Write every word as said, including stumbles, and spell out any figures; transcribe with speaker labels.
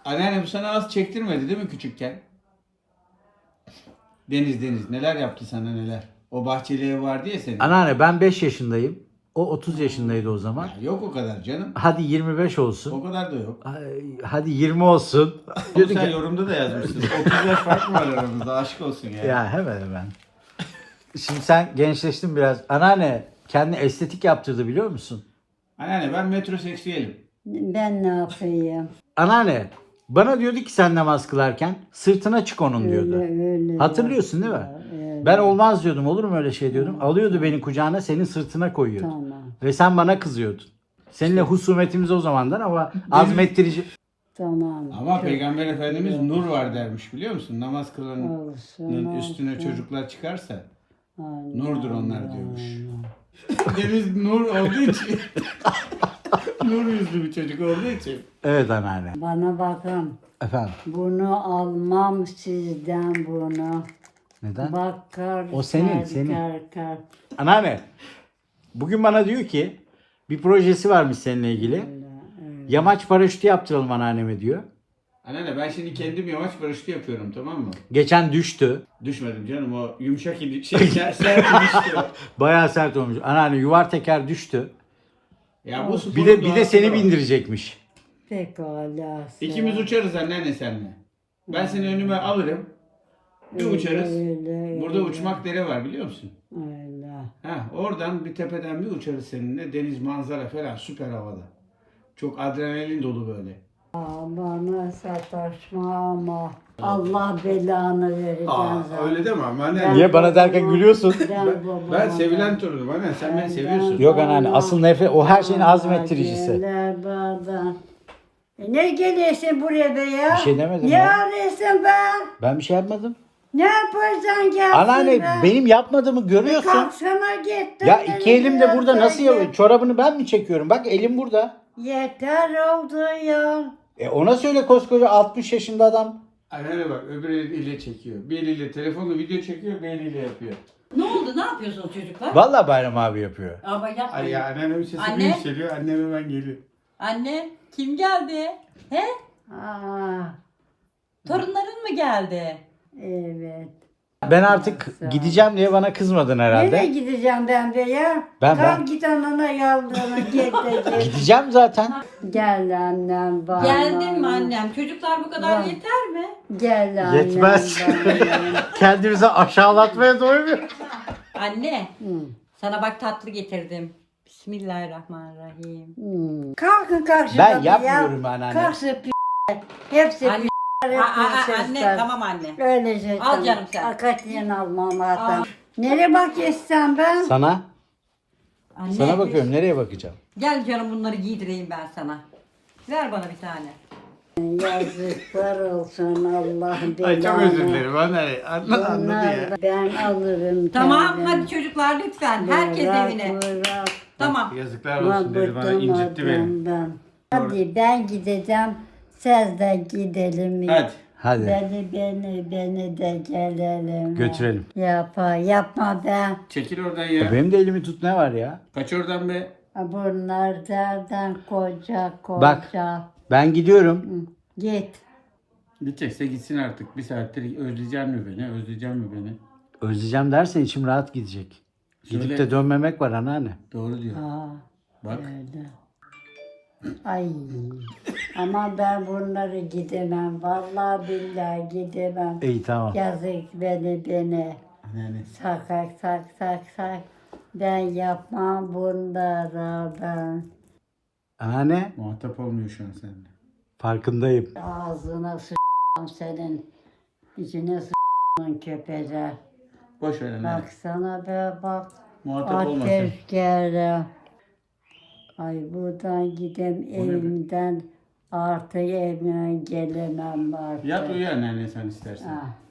Speaker 1: Anneanne bu sana az çektirmedi değil mi küçükken? Deniz Deniz neler yaptı sana neler? O bahçeli ev vardı ya senin.
Speaker 2: Anneanne ben beş yaşındayım. O otuz yaşındaydı o zaman.
Speaker 1: Ya yok o kadar canım.
Speaker 2: Hadi yirmi beş olsun.
Speaker 1: O kadar da yok.
Speaker 2: Ay, Hadi yirmi olsun.
Speaker 1: Onu
Speaker 2: Diyordun
Speaker 1: sen
Speaker 2: ki,
Speaker 1: yorumda da yazmışsın. otuz yaş fark mı var aramızda? Aşk olsun ya.
Speaker 2: ya hemen hemen. Şimdi sen gençleştin biraz. Anneanne kendi estetik yaptırdı biliyor musun?
Speaker 1: Anneanne ben metroseksüelim.
Speaker 3: Ben ne yapayım?
Speaker 2: Anneanne bana diyordu ki sen namaz kılarken sırtına çık onun diyordu.
Speaker 3: Öyle öyle.
Speaker 2: Hatırlıyorsun değil mi?
Speaker 3: Evet.
Speaker 2: Ben olmaz diyordum, olur mu öyle şey diyordum. Alıyordu beni kucağına, senin sırtına koyuyordu.
Speaker 3: Tamam.
Speaker 2: Ve sen bana kızıyordun. Seninle husumetimiz o zamandan ama azmettirici.
Speaker 3: Tamam.
Speaker 1: Ama
Speaker 3: Çok
Speaker 1: Peygamber Efendimiz nur var dermiş biliyor musun? Namaz kılanın
Speaker 3: olsun,
Speaker 1: üstüne
Speaker 3: olsun.
Speaker 1: çocuklar çıkarsa
Speaker 3: Aynen,
Speaker 1: nurdur onlar
Speaker 3: aynen.
Speaker 1: diyormuş. Deniz nur olduğu için nur yüzlü bir çocuk olduğu için.
Speaker 2: Evet anneanne.
Speaker 3: Bana bakın.
Speaker 2: Efendim.
Speaker 3: Bunu almam sizden bunu.
Speaker 2: Neden?
Speaker 3: Bakar.
Speaker 2: O senin,
Speaker 3: kar,
Speaker 2: senin.
Speaker 3: Kar, kar.
Speaker 2: Anneanne. Bugün bana diyor ki bir projesi varmış seninle ilgili.
Speaker 3: Öyle, öyle.
Speaker 2: Yamaç paraşütü yaptıralım anneanneme diyor.
Speaker 1: Anneanne ben şimdi kendim yamaç paraşütü yapıyorum tamam mı?
Speaker 2: Geçen düştü.
Speaker 1: Düşmedim canım o yumuşak idi, şey sert ilişki o.
Speaker 2: Bayağı sert olmuş. Anneanne yuvar teker düştü.
Speaker 1: Ya bu sporun
Speaker 2: Bir de bir de
Speaker 1: doğası
Speaker 2: seni
Speaker 1: o.
Speaker 2: bindirecekmiş.
Speaker 3: Pekala.
Speaker 1: İkimiz uçarız anneanne senle. Ben seni önüme alırım. Bir
Speaker 3: Öyle,
Speaker 1: uçarız.
Speaker 3: öyle,
Speaker 1: Burada
Speaker 3: öyle.
Speaker 1: uçmak dere var biliyor musun?
Speaker 3: Öyle.
Speaker 1: Ha, oradan bir tepeden bir uçarız seninle. Deniz manzara falan süper havada. Çok adrenalin dolu böyle.
Speaker 3: Aa, bana sataşma ama Allah belanı verecek.
Speaker 1: Aa, öyle deme ama anne.
Speaker 3: Ben
Speaker 2: Niye bana derken
Speaker 3: babama-
Speaker 2: gülüyorsun?
Speaker 3: Ben,
Speaker 1: Ben,
Speaker 3: babama-
Speaker 1: ben sevilen torunum anne. Sen beni
Speaker 3: Ben-
Speaker 1: seviyorsun.
Speaker 2: Yok anneanne, asıl nefret o her şeyin azmettiricisi.
Speaker 3: Gelir bana. E ne geliyorsun buraya be ya?
Speaker 2: Bir şey demedim
Speaker 3: Ne
Speaker 2: ya.
Speaker 3: arıyorsun be?
Speaker 2: Ben bir şey yapmadım.
Speaker 3: Ne yaparsan gelsin
Speaker 2: Anneanne
Speaker 3: be.
Speaker 2: benim yapmadığımı görüyorsun.
Speaker 3: Kalksana git.
Speaker 2: Ya
Speaker 3: Dön
Speaker 2: iki elim de burada, nasıl
Speaker 3: yapayım?
Speaker 2: yapıyorum? Çorabını ben mi çekiyorum? Bak elim burada.
Speaker 3: Yeter oldu ya.
Speaker 2: E ona söyle, koskoca altmış yaşında adam.
Speaker 1: Anneanne bak öbür eliyle çekiyor. Bir eliyle telefonla video çekiyor, bir eliyle yapıyor.
Speaker 4: Ne oldu? Ne yapıyorsunuz çocuklar?
Speaker 2: Vallahi Bayram abi yapıyor.
Speaker 4: Ama yapmayın.
Speaker 1: Ay ya anneannemin sesi
Speaker 4: Anne.
Speaker 1: bir yükseliyor. Annem hemen geliyor.
Speaker 4: Anne, kim geldi? He?
Speaker 3: Aa,
Speaker 4: Torunların mı geldi?
Speaker 3: evet.
Speaker 2: Ben artık gideceğim diye bana kızmadın herhalde.
Speaker 3: Nereye gideceğim ben be ya?
Speaker 2: Ben-
Speaker 3: Kalk
Speaker 2: ben-
Speaker 3: git anana yaldırına git de git.
Speaker 2: Gideceğim zaten.
Speaker 3: Gel annem bana.
Speaker 4: Geldin mi annem? Çocuklar bu kadar
Speaker 3: Var.
Speaker 4: yeter mi?
Speaker 3: Gel annem
Speaker 2: Yetmez.
Speaker 3: bana.
Speaker 2: Kendimizi aşağılatmaya doymuyor.
Speaker 4: Anne,
Speaker 3: Hı.
Speaker 4: sana bak tatlı getirdim. Bismillahirrahmanirrahim.
Speaker 3: Hmm. Kalkın kalk
Speaker 2: Ben
Speaker 3: şuradan
Speaker 2: yapmıyorum
Speaker 3: ya.
Speaker 2: anneanne.
Speaker 3: Kalksın p***. Hepsi
Speaker 4: Anne,
Speaker 3: p***ler,
Speaker 4: Aa, aa,
Speaker 3: hepsi
Speaker 4: anne,
Speaker 3: sesler.
Speaker 4: tamam anne.
Speaker 3: Öyle şey.
Speaker 4: Al canım sen.
Speaker 3: Akatiyen almam hatta.
Speaker 4: Al.
Speaker 3: Nereye bakıyorsun ben?
Speaker 2: Sana?
Speaker 4: Anne,
Speaker 2: Sana bakıyorum. Nereye bakacağım?
Speaker 4: Gel canım bunları giydireyim ben sana. Ver bana bir tane.
Speaker 3: Yazıklar olsun Allah belanı.
Speaker 1: Ay çok özür dilerim anneanne. Anla, anladı
Speaker 3: Bunlar
Speaker 1: ya.
Speaker 3: da ben alırım
Speaker 4: Tamam,
Speaker 3: kendim.
Speaker 4: hadi çocuklar lütfen. Herkes
Speaker 3: Bırak,
Speaker 4: evine.
Speaker 3: bırak.
Speaker 4: Tamam.
Speaker 1: Yazıklar olsun dedi bana incitti beni.
Speaker 3: Ben. Hadi ben gideceğim. Siz de gidelim.
Speaker 1: Hadi.
Speaker 2: Hadi.
Speaker 3: Beni beni beni de gelelim.
Speaker 2: Götürelim.
Speaker 3: Yapma yapma be.
Speaker 1: Çekil oradan ya.
Speaker 2: Benim de elimi tut, ne var ya?
Speaker 1: Kaç oradan be.
Speaker 3: Bunlardan koca koca.
Speaker 2: Bak. Ben gidiyorum.
Speaker 3: Hı, git.
Speaker 1: Gidecekse gitsin artık. Bir saattir özleyecek mi beni? Özleyecek mi beni?
Speaker 2: Özleyeceğim dersen içim rahat gidecek. Gidip
Speaker 1: Söyle.
Speaker 2: de dönmemek var anneanne.
Speaker 1: Doğru diyor.
Speaker 3: Aa,
Speaker 1: Bak.
Speaker 3: öyle. Ay. Ama ben bunları gidemem. Vallahi billahi gidemem.
Speaker 2: İyi tamam.
Speaker 3: Yazık beni beni.
Speaker 1: Anneanne.
Speaker 3: Sakak sak sak sak. Ben yapmam bunları ben.
Speaker 2: Anneanne
Speaker 1: Muhatap olmuyor şu an seninle.
Speaker 2: farkındayım.
Speaker 3: Ağzına s***am senin. İçine s***am köpeğe.
Speaker 1: Boş ver anneanne.
Speaker 3: Baksana be bak.
Speaker 1: Muhatap olmasın.
Speaker 3: Ateş geldi. Ay buradan gidem
Speaker 1: ne be?
Speaker 3: evimden artık evime gelemem artık.
Speaker 1: Yat uyu anneanne sen istersen.
Speaker 3: Ah.